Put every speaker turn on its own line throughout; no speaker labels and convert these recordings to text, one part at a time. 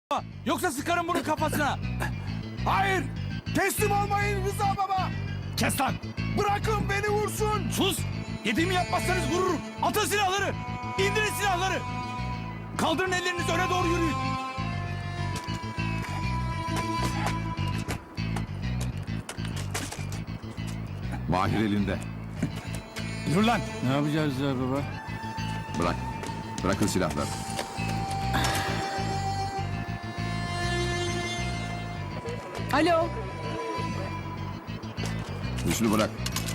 Yoksa sıkarım bunun kafasına.
Hayır! Teslim olmayın Rıza baba!
Kes lan.
Bırakın beni vursun!
Sus. Dediğimi yapmazsanız vururum. Atın silahları. İndirin silahları. Kaldırın ellerinizi, öne doğru yürüyün.
Mahir elinde.
Yürü lan.
Ne yapacağız ya baba?
Bırak. Bırakın silahları.
Alo.
Hüsnü bırak.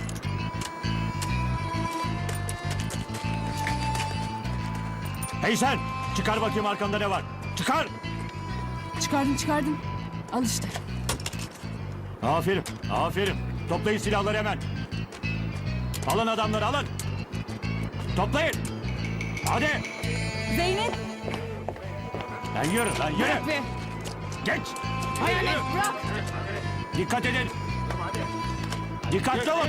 Hey sen! Çıkar bakayım arkanda ne var. Çıkar!
Çıkardım. Al işte.
Aferin, aferin. Toplayın silahları hemen. Alın adamları, alın. Toplayın. Hadi.
Zeynep.
Lan yürü, lan yürü.
Bırak be.
Geç.
Hayalet bırak.
Dikkat edin. Dikkatli olun.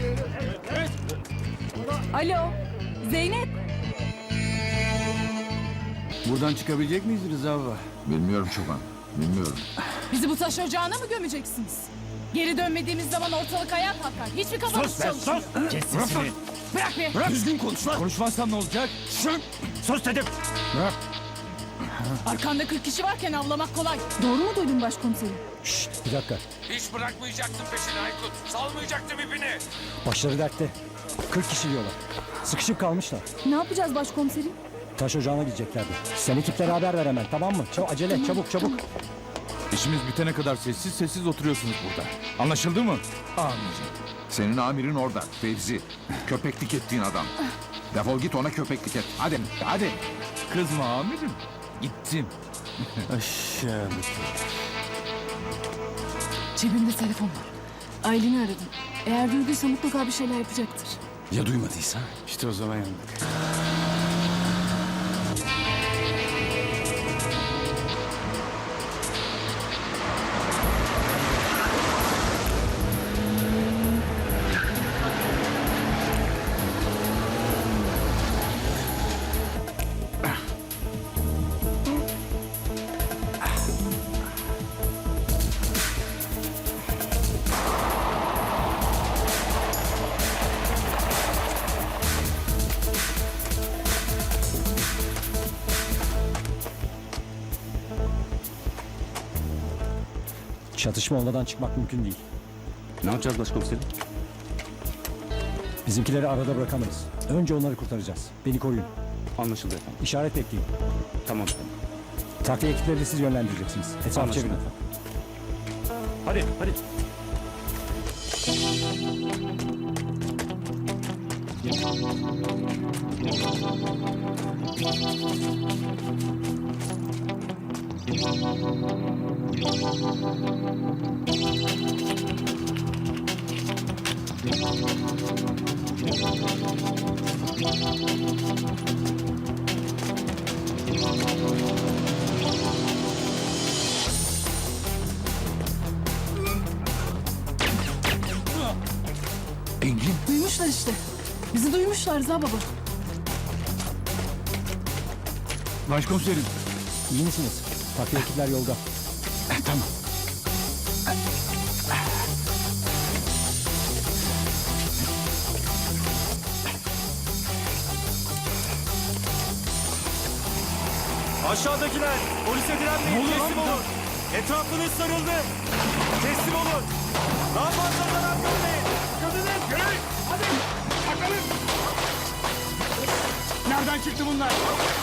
Alo. Zeynep.
Buradan çıkabilecek miyiz Rıza baba?
Bilmiyorum Çoban. Bilmiyorum.
Bizi bu taş ocağına mı gömeceksiniz? Geri dönmediğimiz zaman ortalık ayağa kalkar. Hiçbir kafanız
Sus be,
çalışmıyor.
sus. Kes sesini.
Bırak be.
Bırak. Düzgün konuş lan. Konuşmazsan ne olacak?
Sus dedim.
Arkanda 40 kişi varken avlamak kolay. Doğru mu duydun başkomiserim?
Bir dakika.
Hiç bırakmayacaktın peşini Aykut. Salmayacaktın ipini.
Başları dertte. 40 kişi diyorlar. Sıkışıp kalmışlar.
Ne yapacağız başkomiserim?
Taş ocağına gideceklerdi. Sen ekiplere haber ver hemen, tamam mı? Acele, çabuk.
İşimiz bitene kadar sessiz sessiz oturuyorsunuz burada. Anlaşıldı mı?
Senin amirin orada. Fevzi. Köpeklik ettiğin adam. Defol git ona köpeklik et. Hadi. Hadi.
Kızma amirim. Gittim.
Aşağı.
Cebimde telefon var. Aylin'i aradım. Eğer duyduysa mutlaka bir şeyler yapacaktır.
Ya duymadıysa? İşte o zaman yandık.
Çatışma olmadan çıkmak mümkün değil.
Ne yapacağız başkomiserim?
Bizimkileri arada bırakamayız. Önce onları kurtaracağız. Beni koruyun.
Anlaşıldı efendim.
İşaret bekleyin.
Tamam efendim.
Takviye ekipleri siz yönlendireceksiniz. Etrafı
Anlaşıldı
çevirin.
efendim.
Hadi, hadi.
Engin.
Duymuşlar işte. Bizi duymuşlar Rıza baba.
Başkomiserim.
İyi misiniz? Takviye ekipler yolda.
Tamam.
Aşağıdakiler polise direnmeyin, teslim olun. Etrafınız sarıldı. Teslim olun. Daha fazla zarar görmeyin.
Yürüyün! Hadi! Bakalım!
Nereden çıktı bunlar?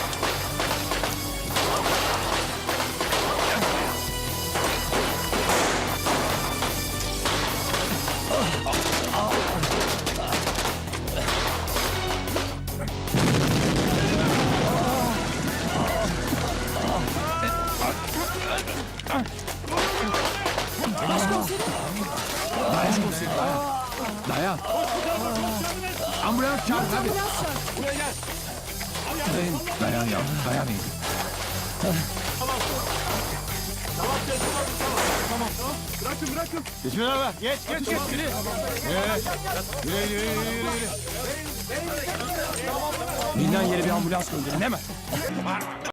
Dayan. Ambulans çağır hadi. Dayan yavrum. Dayan iyi.
Geç beraber. Geç. Yürü. Yürü.
Bilinen yere bir ambulans gönderin hemen.